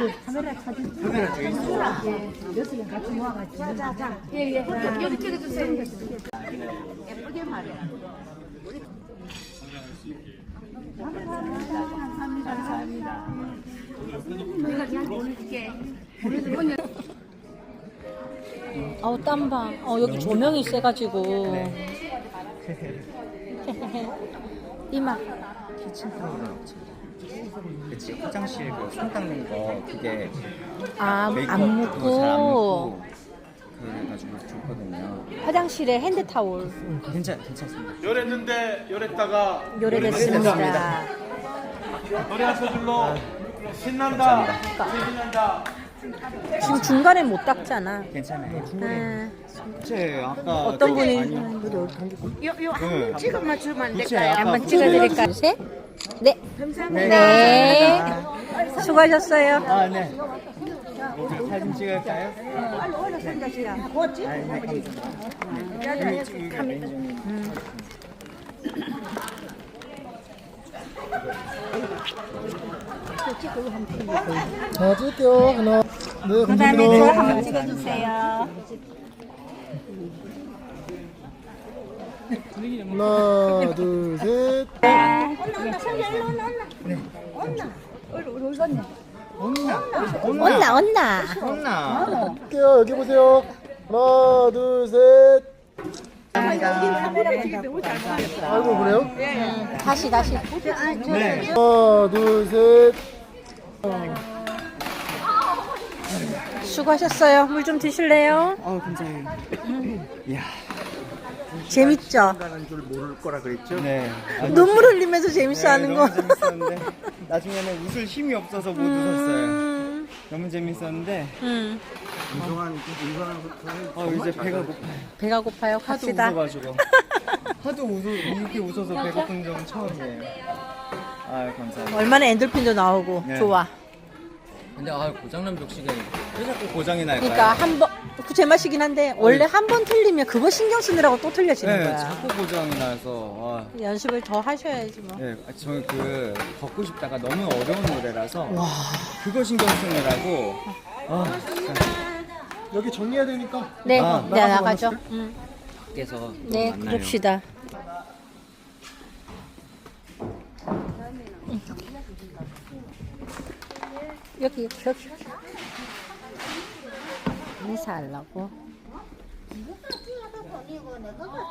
카메라 뒤에 있어. 여섯 명 같이 모아가지고. 자. 예. 여기 찍어주세요. 예쁘게 말해. 감사합니다. 내가 그냥 보내줄게. 아우 땀봐. 여기 조명이 세가지고. 이마. 키친타올은 없지. 그치, 화장실 그손 닦는 거 그게 안 메이크업 그거 잘안 묻고. 묻고 그래가지고 좋거든요. 화장실에 핸드타올. 괜찮습니다. 요랬는데 요랬다가 요래됐습니다. 노래 한 소절로 신난다 신난다. 지금 중간에 못 닦잖아. 괜찮아요. 네. 아까 어떤 분이 한번 찍어만 주면 안 그치, 될까요? 아까 한번 찍어드릴까요? 셋. 네. 감사합니다. 네. 수고하셨어요. 아, 네. 사진 찍을까요? 빨리 올라선다 시야. 뭐지? 아, 네, 감사합니다. 자, 찍을게요. 하나. 네, 그다음에 저 감사합니다. 한번 찍어주세요. 하나, 둘, 셋. 온나. 혼나. 찍을게요. 여기 보세요. 하나, 둘, 셋. 아이고, 그래요? 다시. 네. 하나, 둘, 셋. 수고하셨어요. 물 좀 드실래요? 감사해요. 이야. 재밌죠? 가는 줄 모를 거라 그랬죠? 네. 눈물 흘리면서 재밌어 하는 거. 너무 재밌었는데 나중에는 웃을 힘이 없어서 못 웃었어요. 너무 재밌었는데 이제 배가 고파요. 배가 고파요. 하도 갑시다. 웃어가지고 이렇게 웃어서 배고픈 적은 처음이에요. 아 감사합니다. 얼마나 엔돌핀도 나오고 네. 좋아. 근데 고장난 벽식은 왜 자꾸 고장이 날까요? 그러니까 한 번 그 제맛이긴 한데 원래 한 번 틀리면 그거 신경 쓰느라고 또 틀려지는 네, 거야. 자꾸 고장이 나서 연습을 더 하셔야지 뭐. 네, 저는 걷고 싶다가 너무 어려운 노래라서 그거 신경 쓰느라고 진짜 여기 정리해야 되니까. 네, 아, 네 나가죠. 밖에서 네, 만나요. 그럽시다. 여기 인사하려고.